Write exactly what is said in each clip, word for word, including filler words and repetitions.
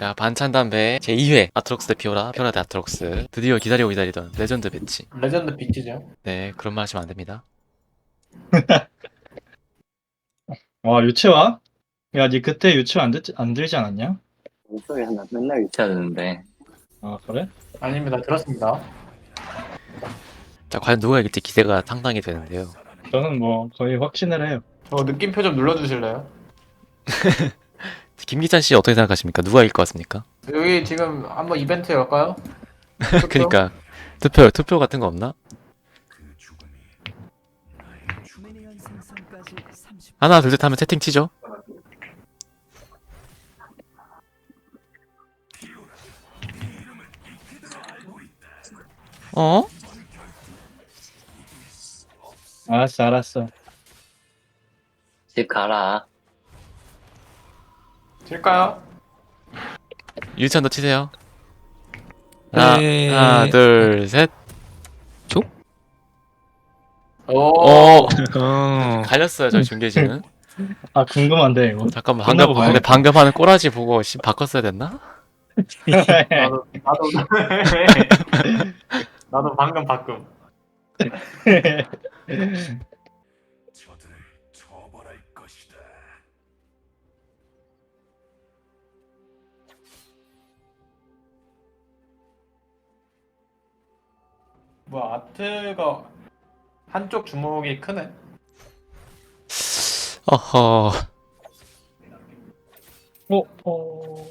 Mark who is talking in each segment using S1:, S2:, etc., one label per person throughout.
S1: 자, 반찬 담배 제이 회 아트록스 대 피오라, 피오라 대 아트록스. 드디어 기다리고 기다리던 레전드 배치.
S2: 레전드 비트죠.
S1: 네, 그런 말 하시면 안 됩니다.
S3: 와, 유채화? 야, 니 그때 유채화 안, 듣, 안 들지 않았냐?
S4: 목소리 하나 맨날 유치하는데
S3: 아, 그래?
S2: 아닙니다. 들었습니다.
S1: 자, 과연 누가 이길지 기대가 상당히 되는데요.
S3: 저는 뭐 거의 확신을 해요.
S2: 저 느낌표 좀 눌러주실래요?
S1: 김기찬 씨 어떻게 생각하십니까? 누가 이길 것 같습니까?
S2: 여기 지금 한번 이벤트 열까요?
S1: 그니까 투표 투표 같은 거 없나? 하나 둘 셋 하면 채팅 치죠. 어?
S3: 알았어, 알았어.
S4: 집 가라.
S2: 칠까요?
S1: 유치원 더 치세요. 하나,
S5: 네.
S1: 하나 둘 셋.
S2: 오.
S1: 어
S5: 어.
S1: 갈렸어요 저희 중계진은.
S3: 아, 궁금한데, 이거.
S1: 잠깐만
S3: 끝나고
S1: 방금 근데 방금 하는 꼬라지 보고 씨 바꿨어야 됐나?
S2: 나도 나도 나도 방금 바꿈. 뭐야 아트가 한쪽 주먹이 크네.
S1: 어허.
S3: 어, 어.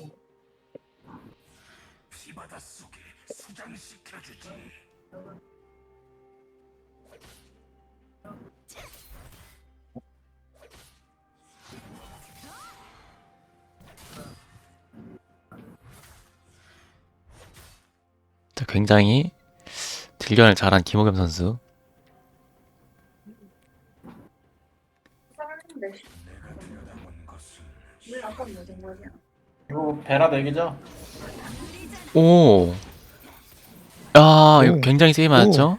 S1: 자, 굉장히 딜견을 잘한 김호겸 선수.
S2: 이거 베라 내기죠?
S1: 오. 야, 이거
S3: 오.
S1: 굉장히 세게 맞았죠?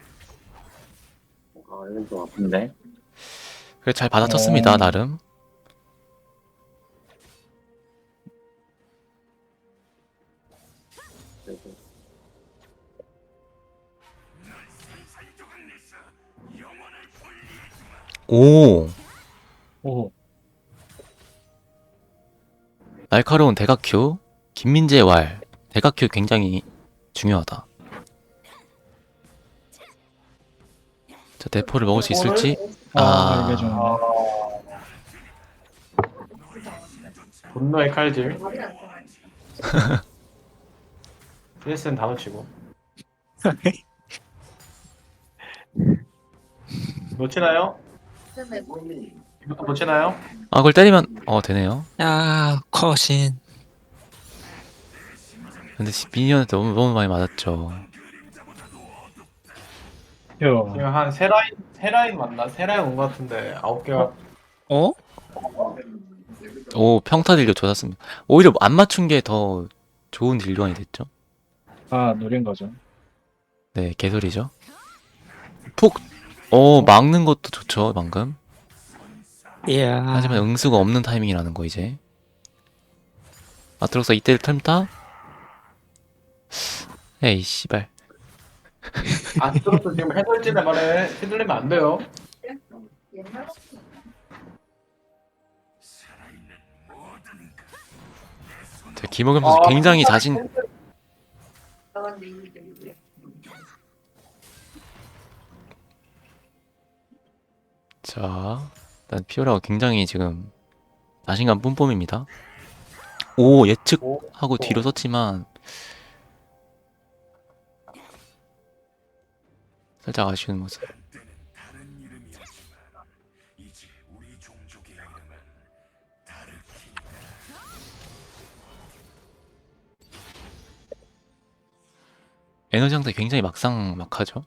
S4: 아 이건 좀 아픈데.
S1: 그래 잘 받아쳤습니다
S3: 오.
S1: 나름. 오.
S3: 오.
S1: 날카로운 대각큐. 김민재의 왈. 대각큐 굉장히 중요하다. 자, 대포를 먹을 수 있을지?
S3: 아,
S1: 아.
S3: 이게 좀.
S2: 아. 분노의 칼질. 드레스는 다 놓치고. 놓치나요? 이것도 놓치나요?
S1: 아, 그걸 때리면 어 되네요.
S5: 야, 컷인.
S1: 근데 미니언한테 너무 너무 많이 맞았죠.
S3: 요.
S2: 지금 한 세 라인 세 라인 맞나? 세 라인 온 것 같은데 아홉 개가
S5: 어?
S1: 오, 평타 딜교 좋았습니다. 오히려 안 맞춘 게 더 좋은 딜교환이 됐죠.
S3: 아, 노린 거죠.
S1: 네, 개소리죠. 푹, 오, 막는 것도 좋죠, 방금.
S5: 이야.
S1: 하지만 응수가 없는 타이밍이라는 거, 이제. 아트록스 이때 틈타? 에이, 씨발.
S2: 아스트로스 지금 해설진의 말에 휘둘리면 안 돼요.
S1: 자, 김호겸 선수
S2: 아,
S1: 굉장히 자신, 자, 일단 피오라가 굉장히 지금 자신감 뿜뿜입니다. 오, 예측하고 뒤로 썼지만, 살짝 아쉬운 모습. 에너지 상태 굉장히 막상막하죠.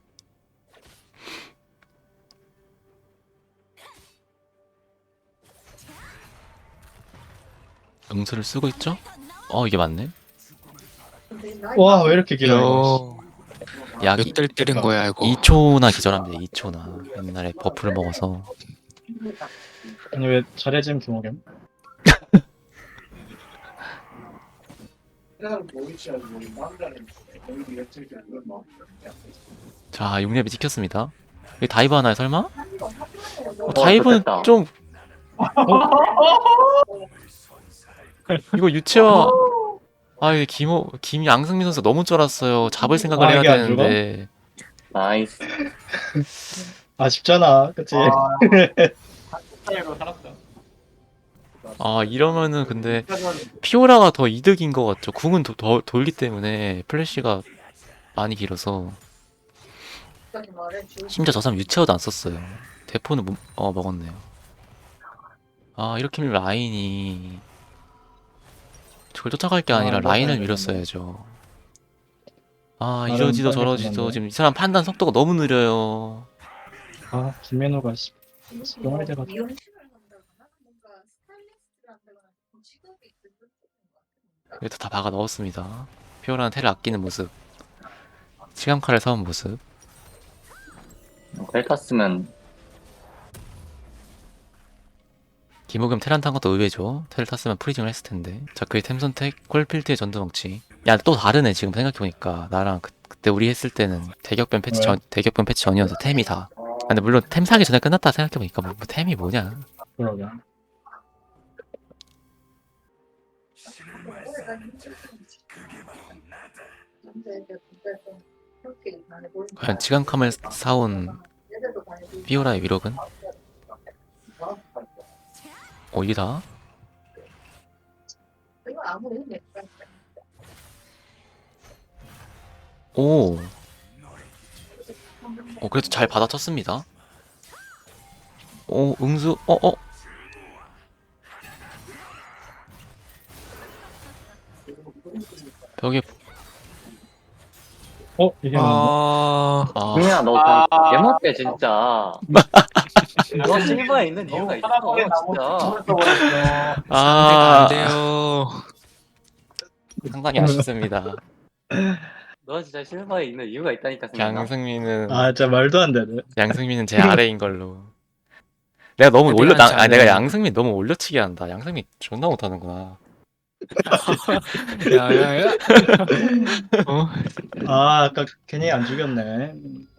S1: 응수를 쓰고 있죠? 어, 이게 맞네.
S3: 와, 왜 이렇게 길어요?
S5: 요.
S1: 약
S5: 몇 달 때린 거야, 이거.
S1: 이 초나 기절합니다. 이 초나. 옛날에 버프를 먹어서.
S3: 아니, 왜 잘해진 김호겸?
S1: 자, 육 렙이 찍혔습니다. 이 다이브 하나요, 설마? 어,
S4: 어,
S1: 다이브는
S4: 좋겠다.
S1: 좀 이거 유채화 아, 이게 김호 김양승민 선수 너무 쫄았어요. 잡을 생각을
S3: 아,
S1: 해야
S3: 이게 안 죽어?
S1: 되는데.
S4: 나이스.
S3: 아쉽잖아, 그치?
S2: 아, 차이로 살았다.
S1: 아, 이러면은 근데 피오라가 더 이득인 것 같죠. 궁은 더, 더 돌기 때문에 플래시가 많이 길어서. 심지어 저 사람 유채화도 안 썼어요. 대포는 못- 어 먹었네요. 아, 이렇게 밀면 라인이 저걸 쫓아갈 게
S3: 아,
S1: 아니라
S3: 이거
S1: 라인을
S3: 해야
S1: 밀었어야죠. 아,
S3: 다른
S1: 이러지도
S3: 빨리
S1: 저러지도
S3: 끝났네.
S1: 지금 이 사람 판단 속도가 너무 느려요.
S3: 아, 김민호가 씨. 너무 돼가지고.
S1: 그래도 다 박아 넣었습니다. 피오라는 테를 아끼는 모습. 시간칼을 사온 모습.
S4: 텔 탔으면
S1: 김호겸 테란 탄 것도 의외죠. 테를 탔으면 프리징을 했을 텐데. 자, 그의 템 선택, 콜필드의 전두멍치. 야, 또 다르네, 지금 생각해보니까. 나랑 그, 그때 우리 했을 때는 대격변 패치
S3: 왜?
S1: 전, 대격변 패치 전이어서 템이 다. 아, 근데 물론 템 사기 전에 끝났다 생각해보니까 뭐, 뭐 템이 뭐냐.
S3: 그러게.
S1: 과연 지간캄을 사온 피오라의 위력은? 어, 이게 다? 오. 어, 그래도 잘 받아쳤습니다. 오, 응수, 어, 어. 벽에,
S3: 어? 이게 뭔가?
S5: 아,
S1: 아,
S4: 승민아 너
S2: 아.
S4: 개못돼 진짜. 너 실버에 있는 이유가 있어
S2: 편하게 나고
S4: 진짜.
S2: 죽었어버렸어.
S5: 상대가
S1: 아,
S5: 안 돼요.
S1: 상당히 아쉽습니다.
S4: 너 진짜 실버에 있는 이유가 있다니까 승민아.
S1: 양승민은,
S3: 아, 진짜 말도 안 되네.
S1: 양승민은 제 아래인 걸로. 내가 너무 올려,
S5: 내가
S1: 나, 아, 내가
S5: 잘해.
S1: 양승민 너무 올려치기 한다. 양승민 존나 못하는구나.
S5: 야야야. 어?
S3: 아, 아까 괜히 안 죽였네.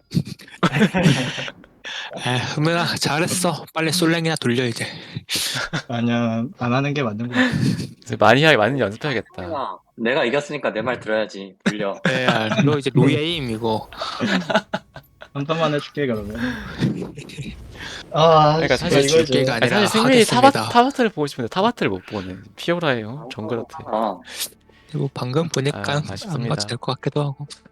S5: 아, 흐면아 잘했어. 빨리 솔랭이나 돌려 이제.
S3: 아니야, 안 하는 게 맞는 거 같아.
S1: 이제 많이 하게 많이 연습해야겠다.
S4: 승민아, 내가 이겼으니까 내 말 들어야지. 돌려.
S5: 야, 너 이제 노예임 이거.
S3: 한 판만 해줄게, 그러면. 아,
S1: 그러니까
S3: 진짜
S1: 사실
S3: 이거지.
S5: 줄게가
S1: 아니,
S5: 아니라
S1: 사실 승민이 타바,
S5: 하겠습니다.
S1: 타바트를 보고 싶은데 타바트를 못 보네. 피오라예요. 정글한테.
S4: 어.
S5: 그리고 방금 보니까
S1: 아,
S5: 안
S1: 아쉽습니다.
S5: 봐도 될 것 같기도 하고.